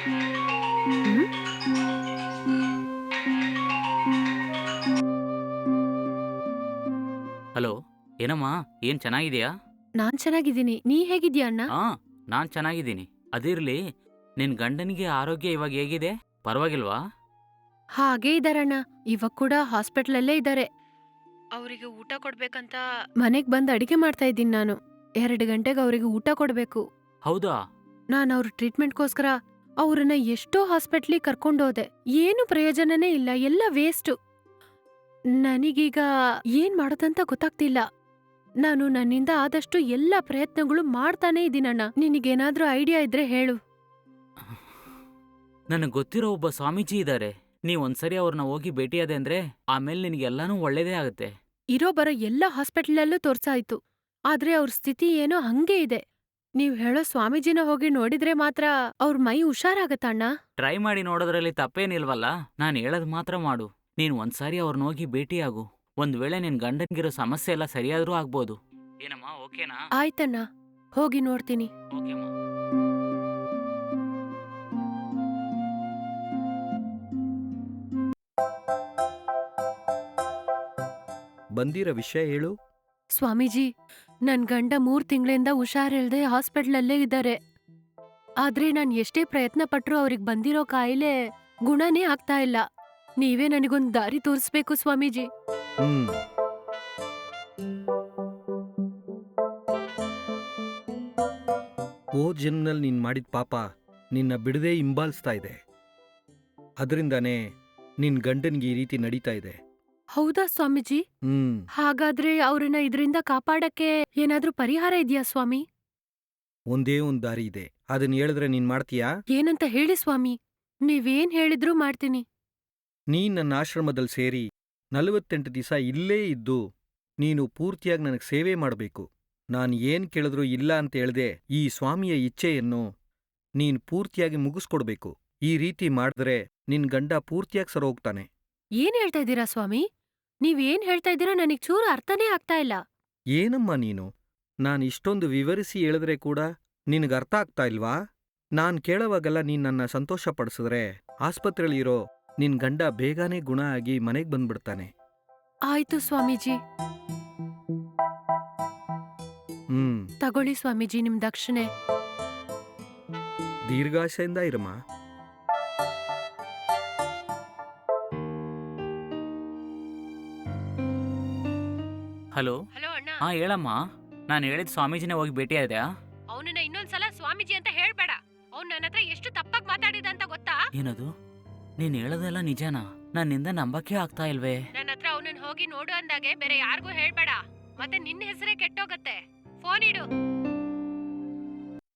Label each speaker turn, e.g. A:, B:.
A: ಹ್ಮ್
B: hello. ಏನಮ್ಮ? ಏನ್ ಚೆನ್ನಾಗಿದ್ಯಾ?
A: ನಾನ್ ಚೆನ್ನಾಗಿದ್ದೀನಿ. ನೀ ಹೇಗಿದ್ಯಾ ಅಣ್ಣ?
B: ಹಾ, ನಾನ್ ಚೆನ್ನಾಗಿದ್ದೀನಿ. ಅದಿರ್ಲಿ, ನಿನ್ ಗಂಡನಿಗೆ ಆರೋಗ್ಯ ಇವಾಗ ಹೇಗಿದೆ? ಪರವಾಗಿಲ್ವಾ?
A: ಹಾಗೇ ಇದಾರಣ್ಣ. ಇವಾಗ ಕೂಡ ಹಾಸ್ಪಿಟ್ಲಲ್ಲೇ ಇದ್ದಾರೆ. ಅವರಿಗೆ ಊಟ ಕೊಡ್ಬೇಕಂತ ಮನೆಗ್ ಬಂದ್ ಅಡಿಗೆ ಮಾಡ್ತಾ ಇದ್ದೀನಿ ನಾನು. 2 ಗಂಟೆಗೆ ಅವರಿಗೆ ಊಟ ಕೊಡ್ಬೇಕು.
B: ಹೌದಾ?
A: ನಾನ್ ಅವ್ರ ಟ್ರೀಟ್ಮೆಂಟ್ಗೋಸ್ಕರ ಅವ್ರನ್ನ ಎಷ್ಟೋ ಹಾಸ್ಪಿಟ್ಲಿಗೆ ಕರ್ಕೊಂಡೋದೆ. ಏನು ಪ್ರಯೋಜನನೇ ಇಲ್ಲ, ಎಲ್ಲ ವೇಸ್ಟು. ನನಗೀಗ ಏನ್ ಮಾಡೋದಂತ ಗೊತ್ತಾಗ್ತಿಲ್ಲ. ನಾನು ನನ್ನಿಂದ ಆದಷ್ಟು ಎಲ್ಲ ಪ್ರಯತ್ನಗಳು ಮಾಡ್ತಾನೇ ಇದೀನಣ್ಣ. ನಿನಗೇನಾದ್ರೂ ಐಡಿಯಾ ಇದ್ರೆ ಹೇಳು.
B: ನನಗ್ ಗೊತ್ತಿರೋ ಒಬ್ಬ ಸ್ವಾಮೀಜಿ ಇದ್ದಾರೆ. ನೀವ್ ಒಂದ್ಸರಿ ಅವ್ರನ್ನ ಹೋಗಿ ಭೇಟಿಯಾದೆ ಅಂದ್ರೆ ಆಮೇಲೆ ನಿನಗೆಲ್ಲಾನು ಒಳ್ಳೇದೇ ಆಗುತ್ತೆ.
A: ಇರೋ ಬರೋ ಎಲ್ಲ ಹಾಸ್ಪಿಟ್ಲಲ್ಲೂ ತೋರ್ಸಾಯ್ತು. ಆದ್ರೆ ಅವ್ರ ಸ್ಥಿತಿ ಏನೋ ಹಂಗೇ ಇದೆ. ನೀವ್ ಹೇಳೋ ಸ್ವಾಮೀಜಿನ ಹೋಗಿ ನೋಡಿದ್ರೆ ಮಾತ್ರ ಅವ್ರ ಮೈ ಹುಷಾರಾಗತ್ತಣ್ಣ.
B: ಟ್ರೈ ಮಾಡಿ ನೋಡೋದ್ರಲ್ಲಿ ತಪ್ಪೇನಿಲ್ವಲ್ಲ. ನಾನ್ ಹೇಳೋದ್ ಮಾತ್ರ ಮಾಡು. ನೀನ್ ಒಂದ್ಸಾರಿ ಅವ್ರನ್ನ ಹೋಗಿ ಭೇಟಿಯಾಗು. ಒಂದ್ ವೇಳೆ ನಿನ್ ಗಂಡನ್ಗಿರೋ ಸಮಸ್ಯೆ ಎಲ್ಲ ಸರಿಯಾದ್ರೂ ಆಗ್ಬೋದು. ಏನಮ್ಮ, ಓಕೆನಾ?
A: ಆಯ್ತಣ್ಣ, ಹೋಗಿ ನೋಡ್ತೀನಿ.
B: ಓಕೆಮ್ಮ.
C: ಬಂದಿರೋ ವಿಷಯ ಹೇಳು.
A: ಸ್ವಾಮೀಜಿ, ನನ್ ಗಂಡ 3 ತಿಂಗಳಿಂದ ಹುಷಾರಿಲ್ದೆ ಹಾಸ್ಪಿಟ್ಲಲ್ಲೇ ಇದ್ದಾರೆ. ಆದ್ರೆ ನಾನ್ ಎಷ್ಟೇ ಪ್ರಯತ್ನ ಪಟ್ರೂ ಅವ್ರಿಗ್ ಬಂದಿರೋ ಕಾಯಿಲೆ ಗುಣನೇ ಆಗ್ತಾ ಇಲ್ಲ. ನೀವೇ ನನಗೊಂದ್ ದಾರಿ ತೋರಿಸ್ಬೇಕು ಸ್ವಾಮೀಜಿ.
C: ಹ್ಮ್ ಹೋದ್ ಜನ್ಮದಲ್ಲಿ ನೀನ್ ಮಾಡಿದ ಪಾಪ ನಿನ್ನ ಬಿಡದೆ ಹಿಂಬಾಲಿಸ್ತಾ ಇದೆ. ಅದರಿಂದಾನೇ ನಿನ್ ಗಂಡನ್ಗೆ ಈ ರೀತಿ ನಡೀತಾ ಇದೆ.
A: ಹೌದಾ ಸ್ವಾಮೀಜಿ?
C: ಹ್ಮ್
A: ಹಾಗಾದ್ರೆ ಅವ್ರನ್ನ ಇದ್ರಿಂದ ಕಾಪಾಡಕ್ಕೆ ಏನಾದ್ರೂ ಪರಿಹಾರ ಇದೆಯಾ ಸ್ವಾಮಿ?
C: ಒಂದೇ ಒಂದ್ ದಾರಿ ಇದೆ. ಅದನ್ನ ಹೇಳಿದ್ರೆ ನೀನ್ ಮಾಡ್ತೀಯಾ?
A: ಏನಂತ ಹೇಳಿ ಸ್ವಾಮಿ. ನೀವೇನ್ ಹೇಳಿದ್ರೂ ಮಾಡ್ತೀನಿ.
C: ನೀನ್ ನನ್ನ ಆಶ್ರಮದಲ್ಲಿ ಸೇರಿ 48 ದಿವಸ ಇಲ್ಲೇ ಇದ್ದು ನೀನು ಪೂರ್ತಿಯಾಗಿ ನನಗೆ ಸೇವೆ ಮಾಡಬೇಕು. ನಾನು ಏನ್ ಕೇಳಿದ್ರೂ ಇಲ್ಲ ಅಂತ ಹೇಳ್ದೆ ಈ ಸ್ವಾಮಿಯ ಇಚ್ಛೆಯನ್ನು ನೀನ್ ಪೂರ್ತಿಯಾಗಿ ಮುಗಿಸ್ಕೊಡ್ಬೇಕು. ಈ ರೀತಿ ಮಾಡಿದ್ರೆ ನಿನ್ ಗಂಡ ಪೂರ್ತಿಯಾಗಿ ಸರೋಗ್ತಾನೆ.
A: ಏನ್ ಹೇಳ್ತಾ ಇದ್ದೀರಾ ಸ್ವಾಮಿ? ನೀವೇನ್ ಹೇಳ್ತಾ ಇದ್ದೀರಾ ನನಗ್ ಚೂರು ಅರ್ಥನೇ ಆಗ್ತಾ ಇಲ್ಲ.
C: ಏನಮ್ಮ ನೀನು? ನಾನ್ ಇಷ್ಟೊಂದು ವಿವರಿಸಿ ಹೇಳಿದ್ರೆ ಕೂಡ ನಿನಗೆ ಅರ್ಥ ಆಗ್ತಾ ಇಲ್ವಾ? ನಾನ್ ಕೇಳೋವಾಗೆಲ್ಲ ನೀನ್ ನನ್ನ ಸಂತೋಷ ಪಡಿಸಿದ್ರೆ ಆಸ್ಪತ್ರೆಯಲ್ಲಿರೋ ನಿನ್ ಗಂಡ ಬೇಗನೆ ಗುಣ ಆಗಿ ಮನೆಗ್ ಬಂದ್ಬಿಡ್ತಾನೆ.
A: ಆಯ್ತು ಸ್ವಾಮೀಜಿ. ತಗೊಳ್ಳಿ ಸ್ವಾಮೀಜಿ ನಿಮ್ ದಕ್ಷಿಣೆ.
C: ದೀರ್ಘಾಶೆಯಿಂದ ಇರಮ್ಮ.
B: ಹಲೋ.
A: ಹಲೋ ಅಣ್ಣ.
B: ಹಾ, ಹೇಳಮ್ಮ. ನಾನು ಹೇಳಿದ ಸ್ವಾಮೀಜಿನೇ ಹೋಗಿ ಭೇಟಿಯಾದ್ಯಾ?
A: ಅವನನ್ನ ಇನ್ನೊಂದ್ಸಲ ಸ್ವಾಮೀಜಿ ಅಂತ ಹೇಳ್ಬೇಡ. ಅವ್ನ್ ನನ್ನ ಹತ್ರ ಎಷ್ಟು ತಪ್ಪಾಗಿ ಮಾತಾಡಿದ ಅಂತ ಗೊತ್ತಾ?
B: ಏನದು? ನೀನ್ ಹೇಳೋದೆಲ್ಲ ನಿಜನಾ? ನನ್ನಿಂದ ನಂಬಕ್ಕೆ ಆಗ್ತಾ ಇಲ್ವೇ.
A: ನನ್ನ ಹತ್ರ ಅವನನ್ನ ಹೋಗಿ ನೋಡು ಅಂದಾಗೆ ಬೇರೆ ಯಾರಿಗೂ ಹೇಳ್ಬೇಡ. ಮತ್ತೆ ನಿನ್ನ ಹೆಸರೇ ಕೆಟ್ಟೋಗತ್ತೆ. ಫೋನ್ ಇಡು.